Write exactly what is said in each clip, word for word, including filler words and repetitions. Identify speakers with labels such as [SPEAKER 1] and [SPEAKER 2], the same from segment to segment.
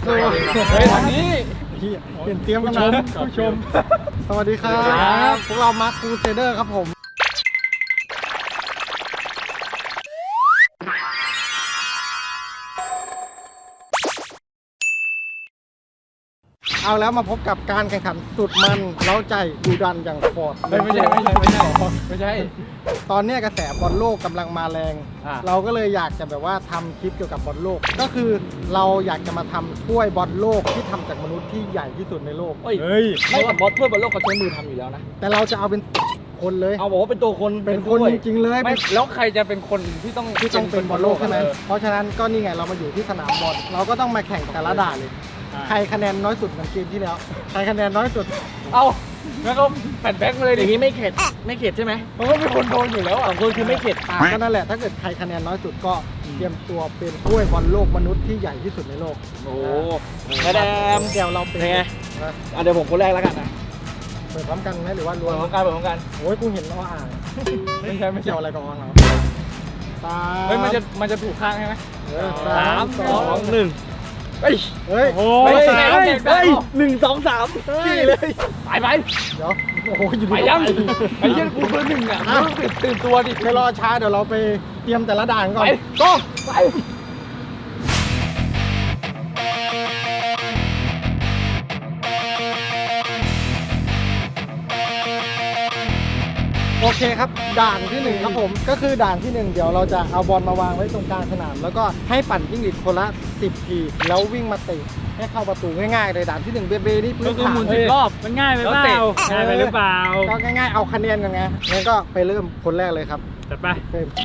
[SPEAKER 1] เฮ้ยทางนี้เปลี่ยนเตรียมกันนะผู้ชมสวัสดีครับพวกเรามาร์คคูเซเดอร์ครับผมเอาแล้วมาพบกับการแข่งขันสุดมันเล้าใจดูดันอย่างฟอร์ดไม่ใช่ไม่ใช่ไม่ใช่ไม่ใช่ตอนนี้กระแสบอลโลกกำลังมาแรงเราก็เลยอยากจะแบบว่าทำคลิปเกี่ยวกับบอลโลกก็คือเราอยากจะมาทำถ้วยบอลโลกที่ทำจากมนุษย์ที่ใหญ่ที่สุดในโลก
[SPEAKER 2] เฮ้ยไม่กับบอลถ้วยบอลโลกเขาใช้มือทำอยู่แล้วนะ
[SPEAKER 1] แต่เราจะเอาเป็นคนเลย
[SPEAKER 2] เอาบอกว่าเป็นตัวคน
[SPEAKER 1] เป็นคนจริงๆเลย
[SPEAKER 3] ไม่แล้วใครจะเป็นคนที่ต้อง
[SPEAKER 1] ที่ต้องเป็นบอลโลกใช่ไหมเพราะฉะนั้นก็นี่ไงเรามาอยู่ที่สนามบอลเราก็ต้องมาแข่งแต่ละด่านเลยใครคะแนนน้อยสุดเหมือนเกมที่แล้วใครคะแนนน้อยสุด
[SPEAKER 3] เอาแล้วก็แผ่นแบ็กมาเลย
[SPEAKER 2] อย่างนี้ไม่เข็ดไม่เข็ดใช่ไหม
[SPEAKER 3] เพราะว่าเป็นคนโดนอยู่แล้วอ่ะ
[SPEAKER 2] คนคือไม่เข็ด
[SPEAKER 1] ก็นั่นแหละถ้าเกิดใครคะแนนน้อยสุดก็เตรียมตัวเป็นถ้วยบอลโลกมนุษย์ที่ใหญ่ที่สุดในโลก
[SPEAKER 2] โอ้แม่แดม
[SPEAKER 1] เดี๋ยวเราเป็น
[SPEAKER 2] ไงเดี๋ยวผมคนแรกแล้วกันนะ
[SPEAKER 1] เปิดพร้อมกันไหมหรือว่ารวม
[SPEAKER 2] พร้อมกันเปิดพร้อมกัน
[SPEAKER 1] โอ้ยกูเห็นล้ออ่างไม่ใช่ไม่เกี่ยวอะไรกับอ่างเหรอ
[SPEAKER 3] ตาเฮ้ยมันจะมันจะถูกข้างใช่ไหม
[SPEAKER 2] สามสองหนึ่ง
[SPEAKER 1] เฮ้ยเฮ้ย
[SPEAKER 2] โอ้ยสามเฮ้ยหนึ่งสองสามสี่เลย
[SPEAKER 3] ไปไป
[SPEAKER 1] เดี๋ยวโอ้โหอยู่
[SPEAKER 3] ไปยังไอ้เหี้ยกูเบอร์หนึ่งอ่ะตื่นตื่นตัวดิ
[SPEAKER 1] ไม่รอช้าเดี๋ยวเราไปเตรียมแต่ละด่านก่อน
[SPEAKER 3] ก็ไป
[SPEAKER 1] โอเคครับด่านที่หนึ่งครับผมก็คือด่านที่หนึ่งเดี๋ยวเราจะเอาบอลมาวางไว้ตรงกลางสนามแล้วก็ให้ปั่นจิ้งหรีดคนละสิบทีแล้ววิ่งมาเตะให้เข้าประตูง่ายๆเลยด่านที่หนึ่งเบเบนี่พื้นฐาน
[SPEAKER 3] หมุนสิบรอบมันง่ายไปเปล่าง่ายไปหรือเปล่า
[SPEAKER 1] ก็ง่ายๆเอาคะแนนกันไงงั้นก็ไปเริ่มคนแรกเลยครับ
[SPEAKER 3] จัดไป
[SPEAKER 1] เริ่ม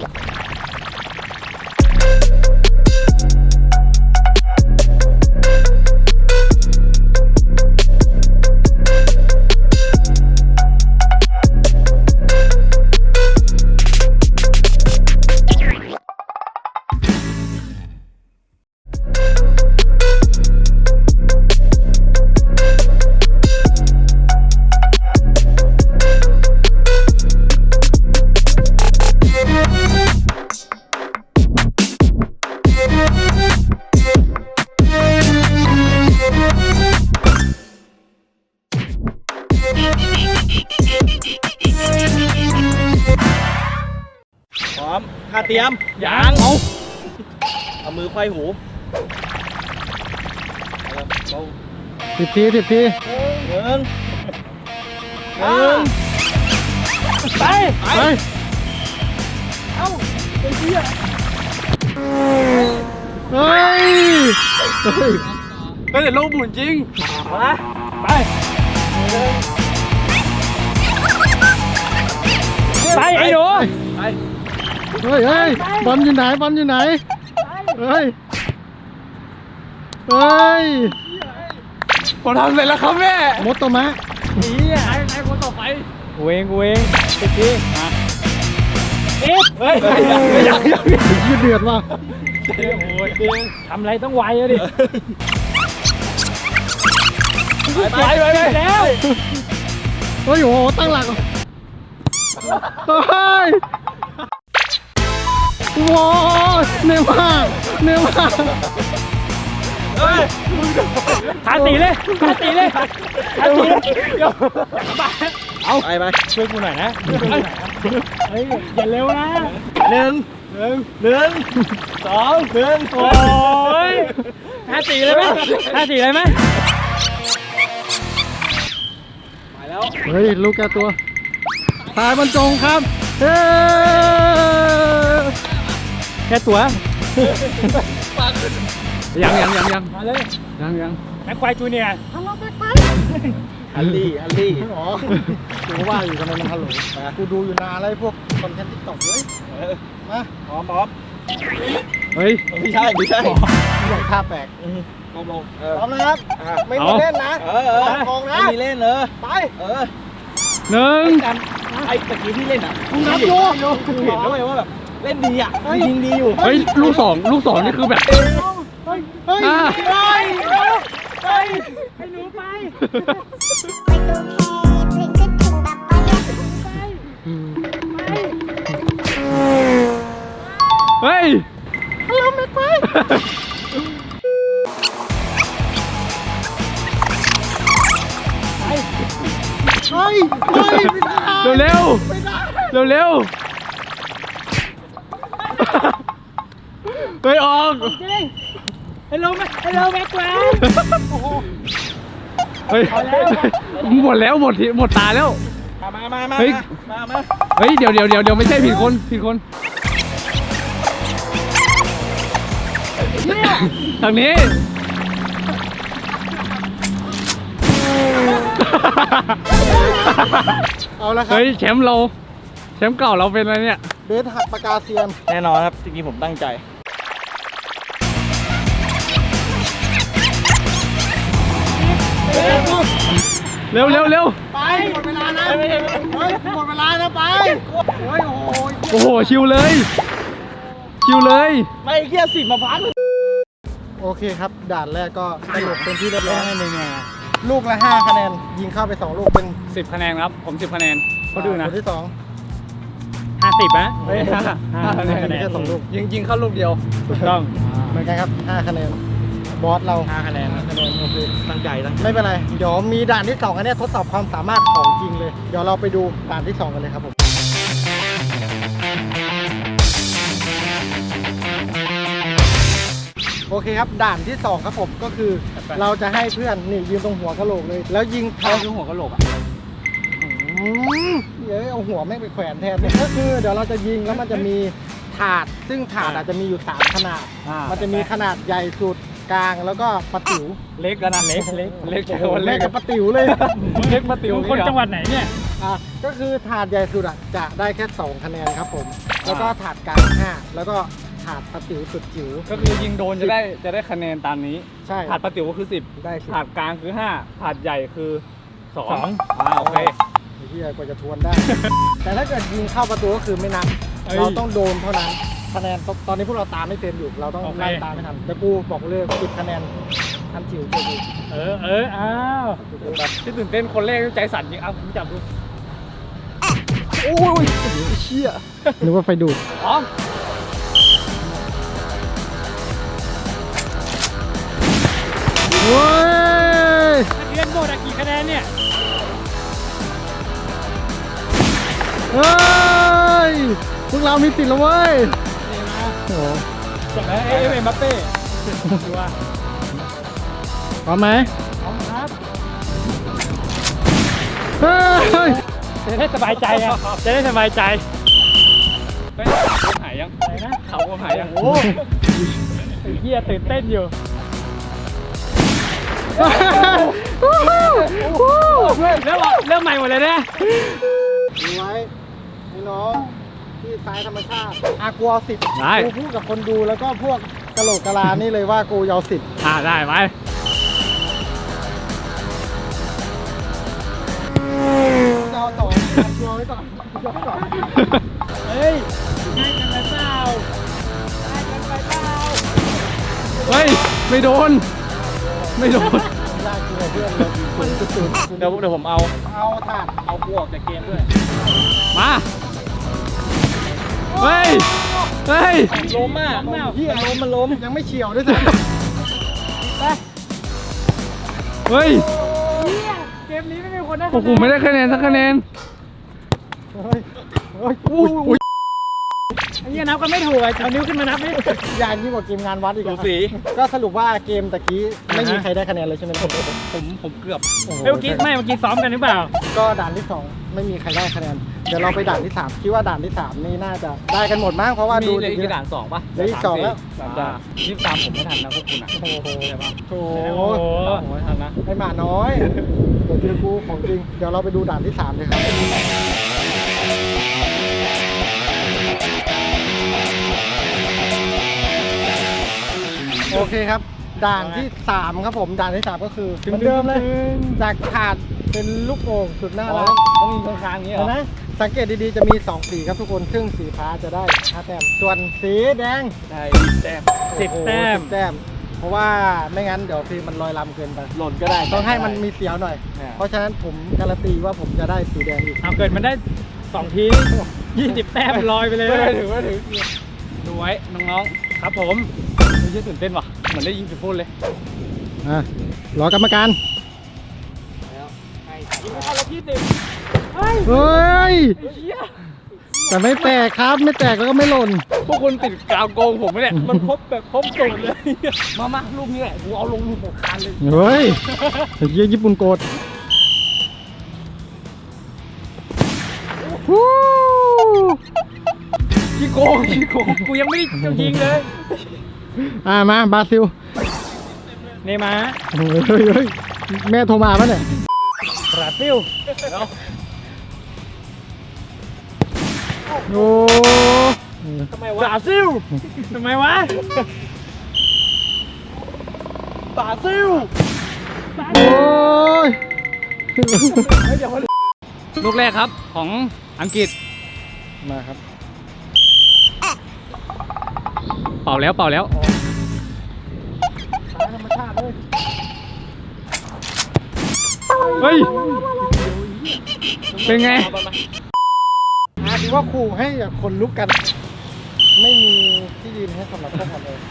[SPEAKER 2] พร้อมท่าเตรียม
[SPEAKER 3] ยางเอา
[SPEAKER 2] เอามือไขว้หู
[SPEAKER 1] สิบทีสิบที
[SPEAKER 2] หนึ่งหนึ่ง
[SPEAKER 3] ไป
[SPEAKER 1] ไป
[SPEAKER 3] เอ้าไอ้เหี้ย
[SPEAKER 1] เฮ้ยเฮ้ย
[SPEAKER 3] ก็เดี๋ยวโลกหมุนจริง
[SPEAKER 2] มา
[SPEAKER 3] ไปไปไอ้หนู
[SPEAKER 2] ไป
[SPEAKER 1] เฮ้ยเฮ้ยบอลอยู่ไหนบอลอยู่ไหนเฮ้ยเฮ้ย
[SPEAKER 3] ผมทำเสร็จแล้วครับแม่
[SPEAKER 1] มดตัวมะ
[SPEAKER 3] นี่ไอ้ไอ้คนต่อไป
[SPEAKER 1] กูเองกูเองติดที
[SPEAKER 3] เอ๊ะเฮ้ยยังยัง
[SPEAKER 1] ยืดเดือดว่ะ
[SPEAKER 3] โอ้ยทำอะไรต้องไวอะดิไปไปไปแล้ว
[SPEAKER 1] เฮ้ยโอ้โหตั้งหลักเฮ้ยว้าวเนื้อมากเนื้อมาก
[SPEAKER 3] เฮ้ยทาสีเลยทาสีเลยทาสีเดี๋ยว
[SPEAKER 2] เอาไปไป
[SPEAKER 3] ช่วยกูหน่อยนะเฮ้ยอย่าเร็วนะ
[SPEAKER 2] หนึ่งหนึ่งหนึ่งสองหนึ่ง
[SPEAKER 3] โอ้ยทาสีเลยไหมทาสีเลยไหมไปแล้ว
[SPEAKER 1] เฮ้ยลูกแกตัวตายบรรจงครับเฮ้แค่ตัวยังยังยังยัง
[SPEAKER 3] มาเลย
[SPEAKER 1] ยังยัง
[SPEAKER 3] แม็กควายจูเนียร์
[SPEAKER 1] ฮัลโหลแม็กควาย
[SPEAKER 2] ฮัลลี่ฮัลลี่
[SPEAKER 1] อ๋อกูว่าอยู่ทำไมมันฮัลโหลกูดูอยู่นานอะไรพวกคอนเทนต์ติ๊กต็อกเลยมา
[SPEAKER 2] พร้อมพร้อม
[SPEAKER 1] เฮ้ย
[SPEAKER 2] ไม่ใช่ไม่ใช่
[SPEAKER 1] อย่างท่าแปลก
[SPEAKER 2] ลงลง
[SPEAKER 1] พร้อมนะครับไม่มีเล่นนะ
[SPEAKER 2] เออเออ
[SPEAKER 1] มองนะ
[SPEAKER 2] ไม่มีเล่นเลย
[SPEAKER 1] ไป
[SPEAKER 2] เออ
[SPEAKER 1] หนึ่ง
[SPEAKER 2] ไอ้ตะกี้ที่เล่นอ่ะ
[SPEAKER 1] คุณนับดู
[SPEAKER 2] คุณเห็นด้วยว่าแบบเล่นดีอ่ะยิงดีอยู่
[SPEAKER 1] เฮ้ยลูกสองลูกสองนี่คือแบบ
[SPEAKER 3] เฮ้ยเฮ้ยเฮ้ยเฮ้ยให้หนูไป
[SPEAKER 1] เฮ้ย
[SPEAKER 3] ฮัลโหลแม็กไป
[SPEAKER 1] เฮ้ยเฮ้ยไม่ได้
[SPEAKER 3] เร็วเร็ว
[SPEAKER 1] ไม่ได้
[SPEAKER 3] เร็วเร็วเฮ้ยออก
[SPEAKER 2] จริงฮัลโหลฮัลโหลแม็กแวน
[SPEAKER 3] เฮ้ยหมดแล้วหมดทีหมดตาแล้ว
[SPEAKER 1] มามามามา
[SPEAKER 3] เฮ้ย
[SPEAKER 1] มามา
[SPEAKER 3] เฮ้ยเดี๋ยวเดี๋ยวเดี๋ยวเดี๋ยวไม่ใช่ผิดคนผิดคนทางนี้
[SPEAKER 1] เอาละครับ
[SPEAKER 3] เฮ้ยแชมป์เราแชมป์เก่าเราเป็นอะไรเนี่ย
[SPEAKER 1] เบสหักปากกาเซียน
[SPEAKER 2] แน่นอนครับจริงๆผมตั้งใจ
[SPEAKER 3] เร็วเร็วเร็ว
[SPEAKER 1] ไปหมดเวลานะเฮ้ยหมดเวลานะไปเฮ้ยโอ้โห
[SPEAKER 3] โอ้โหชิวเลยชิวเลย
[SPEAKER 2] ไม่เกี้ยสิบมาพัน
[SPEAKER 1] โอเคครับด่านแรกก็สรุปเป็นที่เรียบร้อย
[SPEAKER 3] หนึ่งไง
[SPEAKER 1] ลูกละห้าคะแนนยิงเข้าไปสองลูกเป็น
[SPEAKER 3] สิบคะแนนครับผมสิบคะแนนเขาดูนะ
[SPEAKER 1] คนที่สอง
[SPEAKER 3] ห้าสิบนะ
[SPEAKER 1] เฮ้ยห้า
[SPEAKER 3] ห้าคะแนน
[SPEAKER 1] แค่สองลูก
[SPEAKER 3] ยิงยิงเข้าลูกเดียวถูกต้อง
[SPEAKER 1] เหมือนกันครับห้าคะแนนบอสเรา
[SPEAKER 2] ห้าคะแนนนะคะแนนโอเคตั้งใจตั้งใจ
[SPEAKER 1] ไม่เป็นไรเดี๋ยวมีด่านที่สองอันเนี้ยทดสอบความสามารถของจริงเลย เดี๋ยวเราไปดูด่านที่สองกันเลยครับผมโอเคครับด่านที่สองครับผมก็คือ เราจะให้เพื่อนนี่ยืนตรงหัวกะโหลกเลย แล้วยิง
[SPEAKER 3] เขา
[SPEAKER 1] ทาง
[SPEAKER 3] คือหัวกะโหลกอ่ะ
[SPEAKER 1] อืมเดี๋ยวเอาหัวแม่งไปแขวนแทนเนี่ยก็คือเดี๋ยวเราจะยิงแล้วมันจะมีถาด ซึ่งถาดอาจจะมีอยู่สามขนาด มันจะมีขนาดใหญ่สุดกลางแล้วก็ปะติ๋ว
[SPEAKER 3] เล็กกันนะเล็กเล็กเล็ก
[SPEAKER 1] โอ้
[SPEAKER 3] แค่
[SPEAKER 1] โห
[SPEAKER 3] วัน
[SPEAKER 1] แม่
[SPEAKER 3] เล็ก
[SPEAKER 1] กับปะติ๋วเลย
[SPEAKER 3] เล็กมาติ๋ว
[SPEAKER 2] คนจังหวัดไหนเนี่ย
[SPEAKER 1] อ่ะก็คือถาดใหญ่สุดอ่ะจะได้แค่สองคะแนนครับผม แล้วก็ถาดกลางห้าแล้วก็ถาดปะติ๋วสุดจิ๋ว
[SPEAKER 3] ก็คือยิงโดนจะได้จะได้คะแนนตามนี้
[SPEAKER 1] ใช่
[SPEAKER 3] ถาดปะติ๋วก็คือสิบ
[SPEAKER 1] ได้สิ
[SPEAKER 3] ถาดกลางคือห้าถาดใหญ่คือสอง
[SPEAKER 2] สอง
[SPEAKER 3] อ่าโอเค
[SPEAKER 1] ไอ้เหี้ยกว่าจะทวนได้ แต่ถ้าเกิดยิงเข้าประตูก็คือไม่นับ
[SPEAKER 3] เอ้ย
[SPEAKER 1] เราต้องโดนเท่านั้นคะแนนตตอนนี้พวกเราตามไม่เต็มอยู่ เราต้อง
[SPEAKER 2] โอเค
[SPEAKER 1] ไล่ตามไม่ทันแต่กูบอกเลยสิบคะแนนทันจิ๋วเจอกู
[SPEAKER 2] เออเอออ้าว
[SPEAKER 3] แบบที่ตื่นเต้นคนแรกใจสั่นจริงเอาผมจับดู
[SPEAKER 1] โอ้ยเชี่ยนึกว่าไฟดูด
[SPEAKER 3] พร้อม
[SPEAKER 1] เฮ้ย
[SPEAKER 2] นักเรียนโบดอะกี่คะแนนเนี่ย
[SPEAKER 1] เฮ้ยพวกเรามีติดแล้วเว้ยโอ้โห
[SPEAKER 2] จบแล้วเอ้ยเอ็มบัปเป้ดูว่า
[SPEAKER 1] พร้อมไหม
[SPEAKER 2] พร้อมครับ
[SPEAKER 1] เฮ้ย
[SPEAKER 2] จะได้สบายใจไงจะได้สบายใจ
[SPEAKER 3] เฮ้ยเขาหายยัง
[SPEAKER 2] อะไรนะ
[SPEAKER 3] เขาหายยัง
[SPEAKER 2] โอ้ไอ้เหี้ยตื่นเต้นอยู่
[SPEAKER 3] เริ่มเริ่มใหม่หมดเลยเนี่ย
[SPEAKER 1] ดูไว้ไอ้น้องที่สายธรรมชาติอากูเอาสิบ
[SPEAKER 3] ได้
[SPEAKER 1] กูพูดกับคนดูแล้วก็พวกกะโหลกกะลานี่เลยว่ากูเอาสิบ
[SPEAKER 3] อ่าได้ไหม
[SPEAKER 1] เอาต่อชัวร์ไว้ก่อนชัวร์ไว้ก่อน
[SPEAKER 2] เฮ้ยง่ายกันไปเปล่าง่ายกันไปเปล่า
[SPEAKER 3] เฮ้ยไม่โดน ไม่โดน
[SPEAKER 1] ยากจริงเพื่อนเลยคุณสุดๆ
[SPEAKER 2] เดี๋ยวเดี๋ยวผมเอา
[SPEAKER 1] เอาถาด
[SPEAKER 2] เอากูออกจากเกมด้วย
[SPEAKER 3] มาเฮ้ยเฮ้ย
[SPEAKER 2] ล้มอ่ะ
[SPEAKER 1] เฮียล้มมันล้มยังไม่เฉียวด้วยซ้
[SPEAKER 3] เฮ้ย
[SPEAKER 2] เกมนี้ไม่มีคนได้
[SPEAKER 3] โอ้โหไม่ได้คะแนนสักคะแนน
[SPEAKER 1] ำเฮ้ยเฮ้ยอุ้ยอุ้ย
[SPEAKER 2] ไอ้เหี้ยนับกันไม่ถูกอ่ะเอานิ้วขึ้นมานับดิ
[SPEAKER 1] ยานยิ่งกว่าเกมงานวัดอีก
[SPEAKER 2] สู
[SPEAKER 1] อะ
[SPEAKER 2] สี
[SPEAKER 1] ก็สรุปว่าเกมตะกี้ไม่มีใครได้คะแนนเลยใช่ไหมผม
[SPEAKER 3] ผมผมเกือบ
[SPEAKER 2] เฮ้ยเมื่อกี้ไม่เมื่อกี้ซ้อมกันหรือเปล่า
[SPEAKER 1] ก็ด่านที่สองไม่มีใครได้คะแนนเดี๋ยวเราไปด่านที่สามคิดว่าด่านที่สามนี่น่าจะได้กันหมดมั้งเพราะว่า
[SPEAKER 3] มี
[SPEAKER 1] ดู
[SPEAKER 3] เลย
[SPEAKER 1] ดิ
[SPEAKER 3] กี่ด่านสองป่ะ
[SPEAKER 1] เหลืออีกสองแล้ว
[SPEAKER 3] สามด่านยี่สิบสามผมไม่ทันนะพวกคุณอ่ะ
[SPEAKER 1] โอ้โห
[SPEAKER 3] ใช่ปะ
[SPEAKER 1] โอ้
[SPEAKER 2] โอ้
[SPEAKER 1] โห
[SPEAKER 2] โห
[SPEAKER 3] ผมไม่ทันนะ
[SPEAKER 1] ไอหมาน้อยเดี๋ยวเจอกูของจริงเดี๋ยวเราไปดูด่านที่สามเลยครับโอเคครับ ด่านที่สามครับผมด่านที่สามก็คือเหมือนเดิมเลยจากถาดเป็นลูกโป่งสุดน่ารัก
[SPEAKER 3] ต้องมีข้างๆอย่างนี้เหร
[SPEAKER 1] เห็
[SPEAKER 3] อน
[SPEAKER 1] ไหมสังเกตดีๆจะมีสองสีครับทุกคนซึ่งสีฟ้าจะได้ห้าแต้มส่วนสีแดง
[SPEAKER 3] ได้แต้ม
[SPEAKER 2] สิบแต้ม
[SPEAKER 1] สิบแต้ม เพราะว่าไม่งั้นเดี๋ยวทีมมันลอยลำเกินไป
[SPEAKER 3] หล่นก็ได้
[SPEAKER 1] ต้องให้มันมีเสียวหน่อย
[SPEAKER 3] เนี่ย
[SPEAKER 1] เพราะฉะนั้นผมการันตีว่าผมจะได้สีแดงอีก
[SPEAKER 2] เอาเกิดมันได้สองทียี่สิบแต้มลอยไปเลย
[SPEAKER 3] ไม่ถึงไม่ถึงดูไว้น้องๆครับผมไม่ใช่ตื่นเต้นว่ะเหมือนได้ยิงจุดโทษเลย
[SPEAKER 1] อ่ะรอกรรมการ
[SPEAKER 2] ยิงไม่เข้าแล้วที่สิบ
[SPEAKER 1] เฮ้ยแต่ไม่แตกครับไม่แตกแล้วก็ไม่หล่น
[SPEAKER 3] พวกคุณติดกาวโกงผมไหมเนี่ยมันครบแบบครบสูตรเลยมามาลูกนี้แหละกูเอาลงลูกหกคันเลย
[SPEAKER 1] เฮ้ยเยี่ยญี่ปุ่นโกรธฮู้
[SPEAKER 3] ขี้โกงขี้โกงกูยังไม่ได้ยิงเลย
[SPEAKER 1] อ่ามาบราซิล
[SPEAKER 3] เนย์มาร์
[SPEAKER 1] เฮ้ยเฮ้ยเฮ้ยแม่โทรมาปะเนี่ย
[SPEAKER 3] บราซิล
[SPEAKER 1] โอ้
[SPEAKER 3] ทำไมวะบราซิลทำไมวะบราซิล
[SPEAKER 1] โอ้ย
[SPEAKER 3] ลูกแรกครับของอังกฤษ
[SPEAKER 1] มาครับ
[SPEAKER 3] เป่าแล้วเป่าแล้ว
[SPEAKER 1] ธรรมชาติเลย
[SPEAKER 3] เฮ้ยเป็นไง
[SPEAKER 1] อาถือว่าขู่ให้คนลุกกัน ไม่มีที่ยืนให้สำหรับพวกมันเลย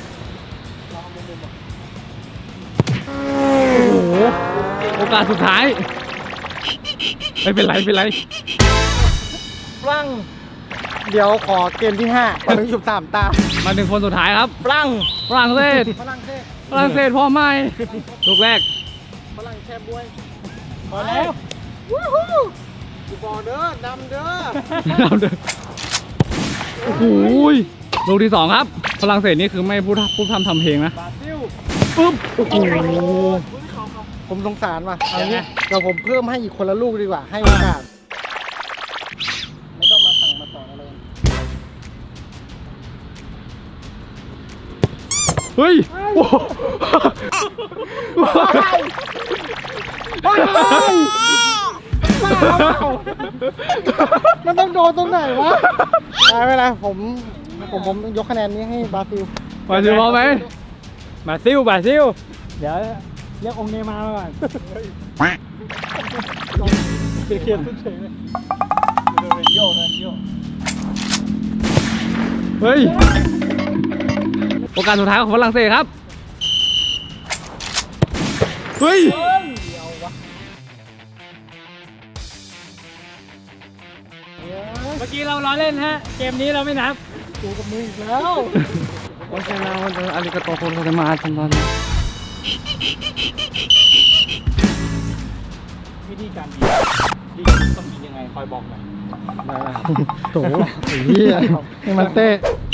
[SPEAKER 1] โอ้โห
[SPEAKER 3] โอกาสสุดท้ายไม่เป็นไรไม่เป็นไร
[SPEAKER 1] ฝรั่งเดี๋ยวขอเกมที่ห้าถึงฉุบสามตา
[SPEAKER 3] มาถึงคนสุดท้ายครับ
[SPEAKER 1] ฝรั่ง
[SPEAKER 3] ฝรั่งเศส
[SPEAKER 1] ฝรั่งเศส
[SPEAKER 3] ฝรั่งเศสพ่อไม่ลูกแรก
[SPEAKER 1] ฝรั่งแช่บวยมาแล้ววู้ฮู้กูบอกเด้อดำเด้อ
[SPEAKER 3] เราเดินโอ้โหลูกที่สองครับฝรั่งเศสนี่คือไม่พูดพูดทำทำเพลงนะ
[SPEAKER 1] บราซิล
[SPEAKER 3] ปุ๊บโอ้โห
[SPEAKER 1] ผมสงสารว่ะเอางี้เดี๋ยวผมเพิ่มให้อีกคนละลูกดีกว่า ให้โอกาส ไม่ต้องมาสั่งมาต่ออะไร
[SPEAKER 3] เฮ้ยโอ้โห
[SPEAKER 1] มันต้องโดนตรงไหนวะไม่เป็นไรผมผมผมยกคะแนนนี้ให้บราซิล
[SPEAKER 3] มาซิลพร้อมไหม
[SPEAKER 2] บราซิลบราซิลเดี๋ยวเรียกองค์เนย์มาร์มาก่อน
[SPEAKER 1] เขียนเฉยเลย
[SPEAKER 2] โยกเลยโยก
[SPEAKER 3] เฮ้ยโอกาสสุดท้ายของฝรั่งเศสครับเฮ้ย
[SPEAKER 2] เมื่อกี้เราล้อเล่นฮะเกมนี้เราไม่นับ
[SPEAKER 1] กูกับมึงอีกแล้ว
[SPEAKER 3] โอเคนะวันนี้อาริกาโตโคโรเตมาทันตอน
[SPEAKER 2] วิธีการยิงยิงต้องยิงยังไงคอยบอกหน่อย
[SPEAKER 1] โถไอ้เหี้ยให้มันเตะ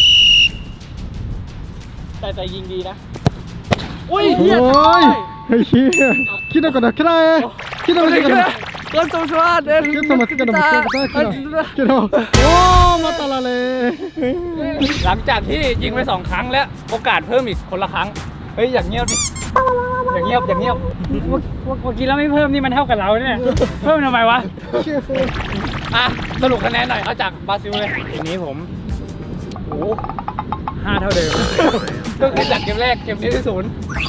[SPEAKER 2] แต่แต่ยิงดีนะ
[SPEAKER 1] อุ้ยโอ้ยไอ้เหี้ยคิดเอาก่อนนะคิดเอาเองคิดเอาก่อนนะ
[SPEAKER 3] ก็สมชาติเด่น
[SPEAKER 1] คิดเอามาคิดเอามาคิดเอามาคิดเอาโอ้มาตาละเลย
[SPEAKER 3] หลังจากที่ยิงไปสองครั้งแล้วโอกาสเพิ่มอีกคนละครั้งเฮ้ยอย่างเงียบดิอย่างเงียบอย่างเงียบ
[SPEAKER 2] เมื่อกี้เราไม่เพิ่มนี่มันเท่ากับเราเนี่ยเพิ่มทำไมวะ
[SPEAKER 3] อ่ะสรุปคะแนนหน่อยเอาจากบราซิลเลย
[SPEAKER 2] ทีนี้ผมโอ้ห้าเท่าเดิม
[SPEAKER 3] ก็คือจากเกมแรกเกมนี้ที่ศูนย์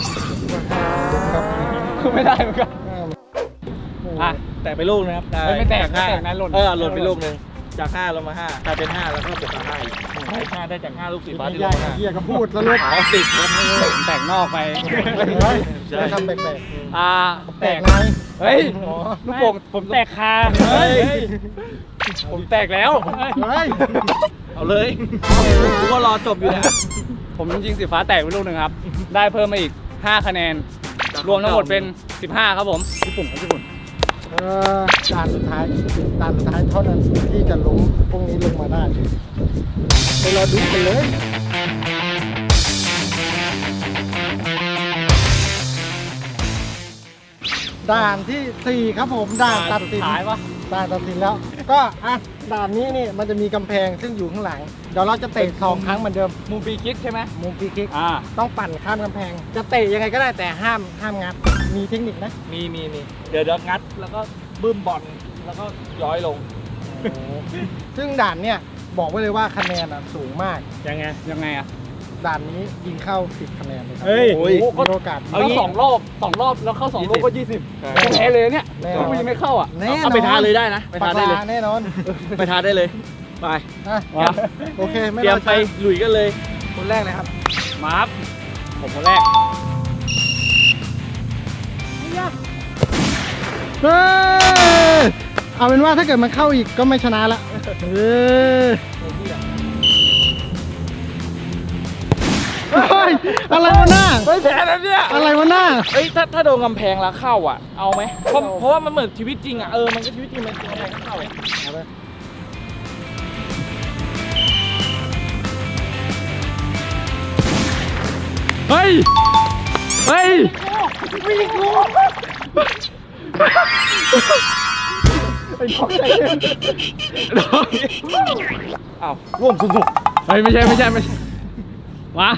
[SPEAKER 3] คือไม่ได้เหมือนกันอ่ะ
[SPEAKER 4] แตกไปลูกนะครับ
[SPEAKER 3] เฮ้ยไม่แตก
[SPEAKER 4] จากห้า
[SPEAKER 3] ไม่แตกนะหล่น
[SPEAKER 4] เออหล่นไปลูกหนึ่งจากห้าลงมาห้ากลายเป็นห้าแล้วก็บวกกับห้าอีกห้าได้จากห้าลูกสีฟ้าที่
[SPEAKER 1] ให
[SPEAKER 4] ล
[SPEAKER 1] ญ่
[SPEAKER 4] งมา
[SPEAKER 1] เหี้ยก็พูดแล้วลูก
[SPEAKER 4] อ๋อสิบครับ
[SPEAKER 3] แตกนอกไป
[SPEAKER 4] ใช่
[SPEAKER 1] ไม่ทำแปลก
[SPEAKER 3] อ่า
[SPEAKER 1] ๆแตกไง
[SPEAKER 3] เฮ้ย
[SPEAKER 1] อ๋อ
[SPEAKER 3] ลูกโป่ง
[SPEAKER 2] ผมแตกคา
[SPEAKER 3] เฮ้ยผมแตกแล้ว
[SPEAKER 1] เฮ้ย
[SPEAKER 4] เอาเลยกูก็รอจบอยู่นะ
[SPEAKER 3] ผมยิงสีฟ้าแตกไปลูกหนึ่งครับ ได้เพิ่มมาอีกห้าคะแนน รวมทั้งหมดเป็นสิบห้าครับผมญี่ปุ่นครับญี่ปุ่น
[SPEAKER 1] เออด่านสุดท้ายด่านสุดท้ายเท่านั้นที่จะล้มพวกนี้ลงมาได้ไปรอดูกันเลยด่านที่สี่ครับผมด่านตัดสิน
[SPEAKER 3] ท้ายปะ
[SPEAKER 1] ด่านตัดสินแล้ว ก็อ่ะด่านนี้นี่มันจะมีกำแพงซึ่งอยู่ข้างหลังเดี๋ยวเราจะเตะสองครั้งเหมือนเดิม
[SPEAKER 3] มุมฟรีคิกใช่ไหม
[SPEAKER 1] มุมฟรีคิก
[SPEAKER 3] อ่า
[SPEAKER 1] ต้องปั่นข้ามกำแพง จะเตะยังไงก็ได้แต่ห้ามห้ามงัดมีเทคนิคนะ
[SPEAKER 4] มีมีมีเดี๋ยวเดี๋ยวงัดแล้วก็บึ้มบอลแล้วก็ย้อยลง
[SPEAKER 1] ซึ่งด่านเนี่ยบอกไว้เลยว่าคะแนนอ่ะสูงมาก
[SPEAKER 2] ยังไง
[SPEAKER 3] ยังไงอ่ะ
[SPEAKER 1] ด่านนี้ยิงเข้าสิบคะแนนเลยครั
[SPEAKER 2] เฮ้ย
[SPEAKER 1] โอ้โหมีโอกาส
[SPEAKER 3] เอาสองรอบสองรอบแล้วเข้าสองลูกก็ยี่สิบก็แพ้เลยเนี่ย
[SPEAKER 1] แน่นอน
[SPEAKER 3] ถ้ายิงไม่เข้าอ่ะ
[SPEAKER 1] แน่นอน
[SPEAKER 4] เอาไปทานเลยได้นะ ไป
[SPEAKER 1] ปา
[SPEAKER 4] ทานได้เลย
[SPEAKER 1] แน่นอน
[SPEAKER 4] ไปทานได้เลยไป
[SPEAKER 1] อ่ะ
[SPEAKER 3] วะ
[SPEAKER 1] โอเคไม่
[SPEAKER 4] เตรียม
[SPEAKER 1] อ
[SPEAKER 4] ไป
[SPEAKER 1] ช้า
[SPEAKER 4] ลุยกันเลย
[SPEAKER 1] คนแรกเลยครับ
[SPEAKER 3] มาครับผมคนแรก
[SPEAKER 1] เฮ้ยเอาเป็นว่าถ้าเกิดมันเข้าอีกก็ไม่ชนะละเออเฮ้ยอะไรวะหน้า
[SPEAKER 4] เฮ้ยแพ้แล้วเนี่ย
[SPEAKER 1] อะไรวะหน้า
[SPEAKER 4] เฮ้ยถ้าถ้าโดนกำแพงแล้วเข้าอ่ะเอาไหมเพราะเพราะว่ามันเหมือนชีวิตจริงอ่ะเออมันก็ชีวิตจริงมันกำแพงก็เข้า
[SPEAKER 1] เอาไป
[SPEAKER 3] เฮ้ย เฮ้ย
[SPEAKER 1] ไอ้ของใส่
[SPEAKER 4] อ้าวร่วมสนุก
[SPEAKER 3] เฮ้ยไม่ใช่ไม่ใช่ไม่ใช่มา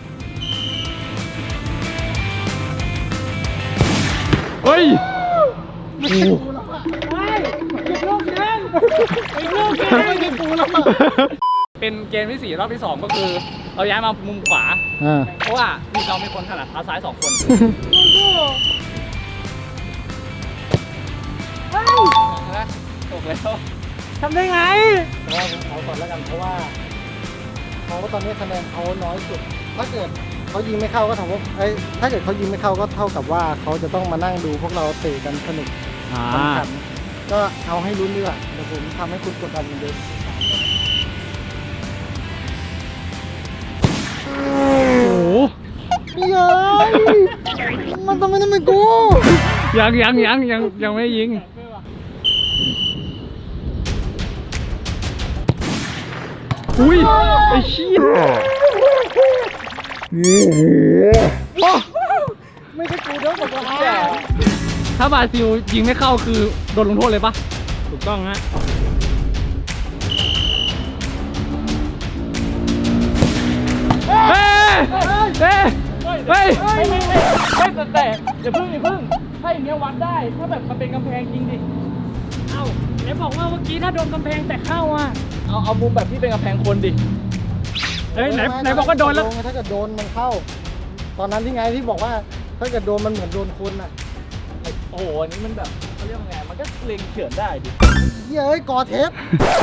[SPEAKER 3] เฮ้ย
[SPEAKER 1] ไม่ใช่กูแล้วอ่ะไม่เก็บลูกเล่นไอ้ลูกเล่นไม่ใช่กูแล้วอ่ะ
[SPEAKER 3] เป็นเกมที่สี่รอบที่สองก็คือเราย้ายมามุมขวา
[SPEAKER 1] อ่า
[SPEAKER 3] เพราะว่ามีเรามีคนถนัดเท้าซ้ายสองคนนะตกแล้ว
[SPEAKER 2] ทำได้ไง
[SPEAKER 1] เพราะว่าผมเอาก่อนแล้วกันเพราะว่าเขาตอนนี้คะแนนเขาน้อยสุด ถ้าเกิดเขายิงไม่เข้าก็ถามว่าไอ้ยถ้าเกิดเขายิงไม่เข้าก็เท่ากับว่าเขาจะต้องมานั่งดูพวกเราเตะกันสนุก
[SPEAKER 3] อ่า
[SPEAKER 1] สำคัญก็เอาให้ลุ้นดีกว่าเดี๋ยวผมทำให้คุณกดดันเหมือนเดิมโอ้โหเย้ยมันทำไมต้องเป็นกู
[SPEAKER 3] ยังยังยังยังยังไม่ยิงอุ้ยไอ้เชี่ย
[SPEAKER 1] ไม่ใช่กูเด้อบอกว่า
[SPEAKER 3] ถ้าบราซิลยิงไม่เข้าคือโดนลงโทษเลยปะ
[SPEAKER 2] ถูกต้องฮะ
[SPEAKER 3] เฮ้ยเฮ้ยเฮ้ย
[SPEAKER 4] ไม่ไม่ไม่ไม่แต่แต่อย่าเพิ่งอย่าเพิ่งถ้าอย่างเงี้ยวัดได้ถ้าแบบมันเป็นกำแพงจริงดิ
[SPEAKER 2] เอ้าไหนบอกว่าเมื่อกี้ถ้าโดนกำแพงแต่เข้าอ่ะ
[SPEAKER 4] เอาเอามุมแบบที่เป็นกำแพงคนดิ
[SPEAKER 2] เฮ้ยไหนไหนบอกว่าโดนแล้ว
[SPEAKER 1] ถ้าเกิดโดนมันเข้า ตอนนั้นที่ไงที่บอกว่าถ้าเกิดโดนมันเหมือนโดนคนอ่ะ
[SPEAKER 4] โอ้โหอันนี้มันแบบเขาเรียกว่าไงมันก็เล็งเฉือนได้ดิ
[SPEAKER 1] เย้ยกอเทป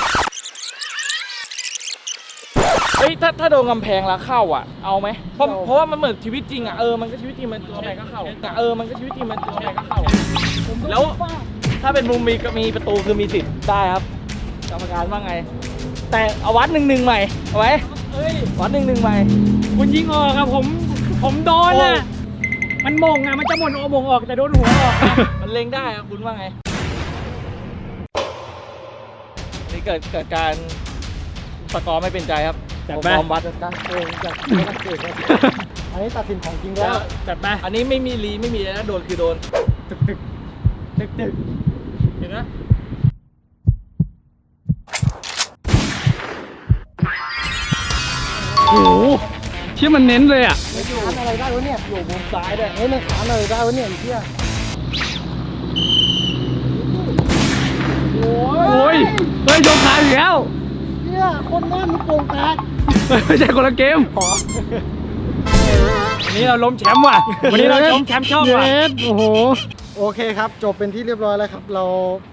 [SPEAKER 4] เฮ้ยถ้าถ้าโดนกำแพงแล้วเข้าอ่ะเอาไหมเพราะเพราะว่ามันเหมือนชีวิตจริงอ่ะเออมันก็ชีวิตจริงมันกำแพงก็เข้าแต่เออมันก็ชีวิตจริงมันกำแพงก็เข้าแล้วถ้าเป็นมุมมีก็มีประตูคือมีสิทธิ์ได้ครับกรรมการว่าไง แต่เอาวัดหนึ่งหนึ่งใหม่เอาไว้
[SPEAKER 2] เฮ้ย
[SPEAKER 4] วัดหนึ่งหนึ่งใหม่
[SPEAKER 2] คุณยิงออกอะผม ผมโดนอะมันมงอะมันจะหมดโอมงออกแต่โดนหัวออกอะ
[SPEAKER 4] มันเล็งได้ครับคุณว่าไงนี่เกิดเกิดการสกอร์ไม่เป็นใจครับ
[SPEAKER 2] จัด
[SPEAKER 4] ผม
[SPEAKER 2] ไป
[SPEAKER 4] ยอมวัด
[SPEAKER 1] จัดการโกงจากนักเตะครับอันนี้ตัดสินของจริงแล้ว
[SPEAKER 2] จัดไป
[SPEAKER 4] อันนี้ไม่มีรีไม่มีอะไรนะโดนคือโดน
[SPEAKER 2] ตึกตึกตึกตึกเห็นไหม
[SPEAKER 3] โอ้โหเชี่ยมันเน้นเลยอ่ะ
[SPEAKER 1] ไม่ขานอะไรได้วะเนี่ย
[SPEAKER 4] อยู่มุมซ้ายด้วย
[SPEAKER 1] เฮ้ยมันขานอะไรได้วะเนี่ยไอ้เหี้ย
[SPEAKER 3] โอ้ยเฮ้ยโยนขาอีกแล้ว
[SPEAKER 1] เหี้ยคนแน่นมันโป่งแตก
[SPEAKER 3] ไม่ใช่คนละเกม
[SPEAKER 2] วันนี้เราล้มแชมป์ว่ะ วันนี้เราล้มแชมป์ช่องว่ะ
[SPEAKER 1] เย็ดโอ้โหโอเคครับ จบเป็นที่เรียบร้อยแล้วครับ เรา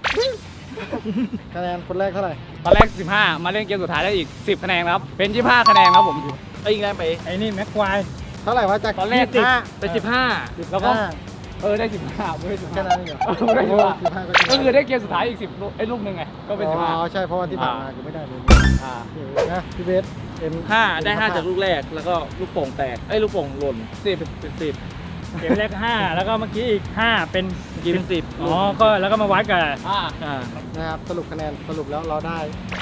[SPEAKER 1] คะแนนคนแรกเท่าไหร่
[SPEAKER 3] ตอนแรกสิบห้ามาเล่นเกมสุดท้ายได้อีกสิบคะแนนครับเป็นยี่สิบห้าคะแนนครับผม
[SPEAKER 4] ไอ้ยิงได้ไป
[SPEAKER 2] ไอ้นี่แม็กควาย
[SPEAKER 1] เท่าไหร่วะจาก
[SPEAKER 3] ตอนแรก
[SPEAKER 1] ยี่สิบห้า
[SPEAKER 4] ไปสิบห้า
[SPEAKER 3] แล้วก็เออได้สิบห้าไม่ได้สิบ
[SPEAKER 1] แค่
[SPEAKER 3] ห้า
[SPEAKER 1] นั้นเองเหรอ
[SPEAKER 3] ไม่ได้สิบห้า
[SPEAKER 1] สิบห้าก็
[SPEAKER 3] ก็คือได้เกมสุดท้ายอีกสิบลูกไอ้ลูกหนึ่งไงก็เป็นสิบห้า
[SPEAKER 1] อ๋อใช่เพราะว่าที่ผ่านมาคือไม่ได้เลย
[SPEAKER 3] อ่า
[SPEAKER 1] โอเคนะพี่เบสเอ็ม
[SPEAKER 4] ห้าได้ห้าจากลูกแรกแล้วก็ลูกโป่งแตกไอ้ยลูกโป่งหล่นสิบเป็นสิบ
[SPEAKER 2] เกมแรกห้าแล้วก็เมื่อกี้อีกห้าเป็น
[SPEAKER 4] เมื่อกี้เป็นสิบ
[SPEAKER 2] อ๋อ ก็แล้วก็มาวัดกับ
[SPEAKER 3] อ่า
[SPEAKER 4] อ่า
[SPEAKER 1] นะครับสรุปคะแนนสรุปแล้วเราได้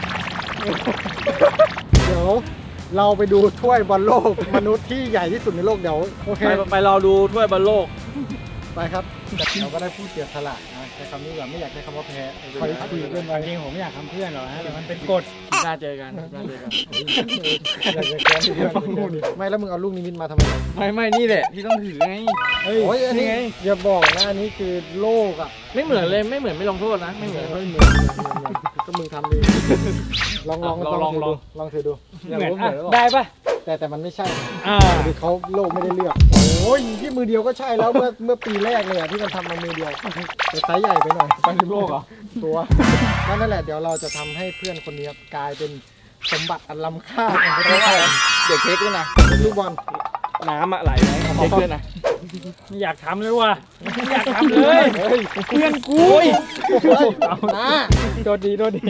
[SPEAKER 1] เดี๋ยวเราไปดูถ้วยบอลโลกมนุษย์ที่ใหญ่ที่สุดในโลกเดี๋ยวโอเค
[SPEAKER 4] ไปไปรอดูถ้วยบอลโลก
[SPEAKER 1] ไปครับเราก็ได้ผู้เสียสละนะใช้คำนี้ก่อนไม่อยากใช้คำว่าแพ้
[SPEAKER 2] คอยคุยกันไปจริงผมไม่อยากทำเพื่อนหรอกนะแต่มันเป็นกฎ
[SPEAKER 4] น่าเจอกันน่าเจอกัน
[SPEAKER 1] อยากจะแกล้งเพื่อนไม่แล้วมึงเอาลูกนิมิตมาทำไม
[SPEAKER 3] ไม่ไม่นี่แหละที่ต้องถือไง
[SPEAKER 1] โอ้ยอันนี้อย่าบอกนะอันนี้คือโลกอ่ะ
[SPEAKER 4] ไม่เหมือนเลยไม่เหมือนไม่ลงโทษนะไม่เหมือน
[SPEAKER 1] ไม่เหมือนก็มึงทำดีลองลองลองถือดูลองถือดู
[SPEAKER 2] เหมือนอ่ะได้ปะ
[SPEAKER 1] แต่แต่มันไม่ใช่
[SPEAKER 2] อ่า
[SPEAKER 1] คือเขาโลกไม่ได้เลือกโอ้ยที่มือเดียวก็ใช่แล้วเมื่อเมื่อปีแรกเลยอะที่มันทำมามือเดียวแต่ไซส์ใหญ่ไปหน่อยไปถึงโลกเหรอตัวนั่นแหละเดี๋ยวเราจะทำให้เพื่อนคนนี้กลายเป็นสมบัติอันล้ำค่าของประเทศไทย
[SPEAKER 4] เด็กเค้กด้วยนะ
[SPEAKER 1] ลูกบอล
[SPEAKER 4] น้ำอะไหลไหมเอาเค้กด้วยนะ
[SPEAKER 2] ไม่อยากทำเลยว่ะไม่อยากทำเลยเพื่อนกู
[SPEAKER 1] เฮ้ยนะ
[SPEAKER 2] โดนดีโดนดี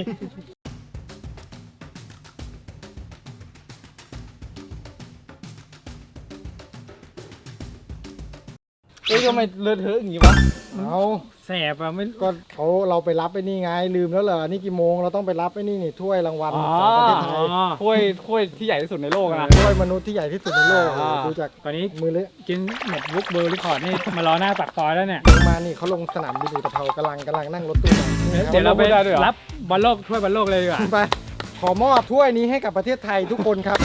[SPEAKER 3] เฮ้ยทำไมเลอะเทอะอย่างงี้วะ
[SPEAKER 1] เอา
[SPEAKER 2] แสบอ่ะไม่
[SPEAKER 1] ก็เขาเราไปรับไอ้นี่ไงลืมแล้วเหรอนี่กี่โมงเราต้องไปรับไอ้นี่นี่ถ้วยรางวัล
[SPEAKER 3] อ๋อ
[SPEAKER 1] ของประเทศไทย
[SPEAKER 3] ถ้วยถ้วยที่ใหญ่ที่สุดในโลกอะนะ
[SPEAKER 1] ถ้วยมนุษย์ที่ใหญ่ที่สุดในโลก
[SPEAKER 3] อ่า
[SPEAKER 1] ดูจาก
[SPEAKER 2] ตอนนี้
[SPEAKER 1] มือเลย
[SPEAKER 2] กินเน็ตบุ๊กเบอร์รีคอร์ดนี่มารอหน้าปากซอยแล้วเนี่ย
[SPEAKER 1] ลงมานี่เขาลงสนามบินอุตภเปากำลังกำลังนั่งรถตู้มานี่ครับ
[SPEAKER 2] เดี๋ยวเราไปรับบอลโลกถ้วยบอลโลกเลยดีกว่า
[SPEAKER 1] ไปขอมอบถ้วยนี้ให้กับประเทศไทยทุกคนครับ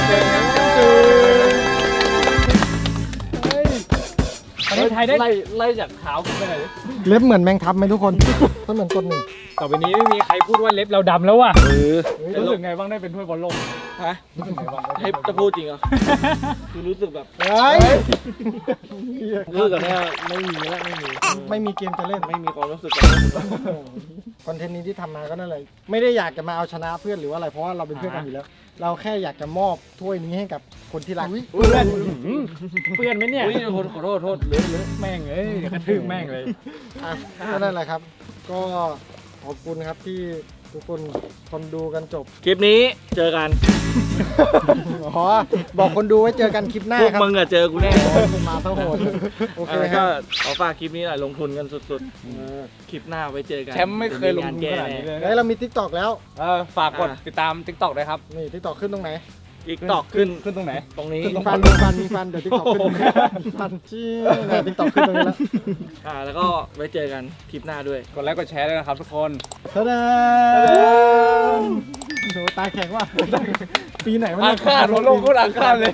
[SPEAKER 1] เฮ้ย
[SPEAKER 2] ประเทศไทยได้
[SPEAKER 3] ไล่ไล่จากเท้าขึ้นไปไหนอยดิ
[SPEAKER 1] เล็บเหมือนแมงทับไหมทุกคนก็เหมือนต้นหนึ่ง
[SPEAKER 2] ต่อไปนี้ไม่มีใครพูดว่าเล็บเราดำแล้วว่ะ
[SPEAKER 3] รู้สึกไงบ้างได้เป็นถ้วยบอลโลก
[SPEAKER 4] ฮะให้จะพูดจริงเหรอคือรู้สึกแบบ
[SPEAKER 1] เฮ้ย
[SPEAKER 4] รู้สึกแบบเนี้ยไม่มีแล้วไม่มี
[SPEAKER 1] ไม่มีเกมจะเล่น
[SPEAKER 4] ไม่มีความรู้สึกแบบนี้
[SPEAKER 1] คอนเทนต์นี้ที่ทำมาก็นั่นแหละไม่ได้อยากจะมาเอาชนะเพื่อนหรือว่าอะไรเพราะว่าเราเป็นเพื่อนกันอยู่แล้ว เราแค่อยากจะมอบถ้วยนี้ให้กับคนที่รัก
[SPEAKER 2] เพื่อนเพื่อนไหมเนี่ย
[SPEAKER 4] อุ้ยขอขอโทษโทษเหลือเหลือ
[SPEAKER 2] แม่งเอ้ยเดี๋ยวกระทืบแม่งเลย
[SPEAKER 1] อ่ะก็นั่นแหละครับ ก็ขอบคุณครับที่ทุกคนคนดูกันจบ
[SPEAKER 4] คลิปนี้เจอกัน
[SPEAKER 1] อ๋อบอกคนดูไว้เจอกันคลิปหน้า
[SPEAKER 4] พวก
[SPEAKER 1] ครับ
[SPEAKER 4] มึงอะเจอกูแน่
[SPEAKER 1] มาทั้งโหดโอเค
[SPEAKER 4] แล้ว
[SPEAKER 1] ค
[SPEAKER 4] ก็
[SPEAKER 1] รับ
[SPEAKER 4] ขอฝากคลิปนี้หน่อยลงทุนกันสุดๆคลิปหน้าไว้เจอกัน
[SPEAKER 3] แชมป์ไม่เคยลงทุนขนาดนี้เลย
[SPEAKER 1] เฮ้ยเรามีทิกตอกแล้ว
[SPEAKER 3] เออฝากกดติดตาม ติ๊กต็อกด้วยครับ
[SPEAKER 1] นี่ทิกตอกขึ้นตรงไหน
[SPEAKER 4] อีกตอกขึ้น
[SPEAKER 3] ขึ้นตรงไหน
[SPEAKER 4] ตรงนี้
[SPEAKER 1] มีฟันมีฟันมีฟันเดี๋ยวทิกตอกขึ้นตรงนี้ฟันชี้เนี่ยทิกตอกขึ้นตรงนี้แล้ว
[SPEAKER 4] อ่าแล้วก็ไว้เจอกันคลิปหน้าด้วย
[SPEAKER 3] กดไลค์กดแชร์ด้วยนะครับทุกคน
[SPEAKER 1] ทะเดนโหตาแข็งว่ะปีไหนมัน
[SPEAKER 3] อาคาดหัวโลกโคตรอาคาดเลย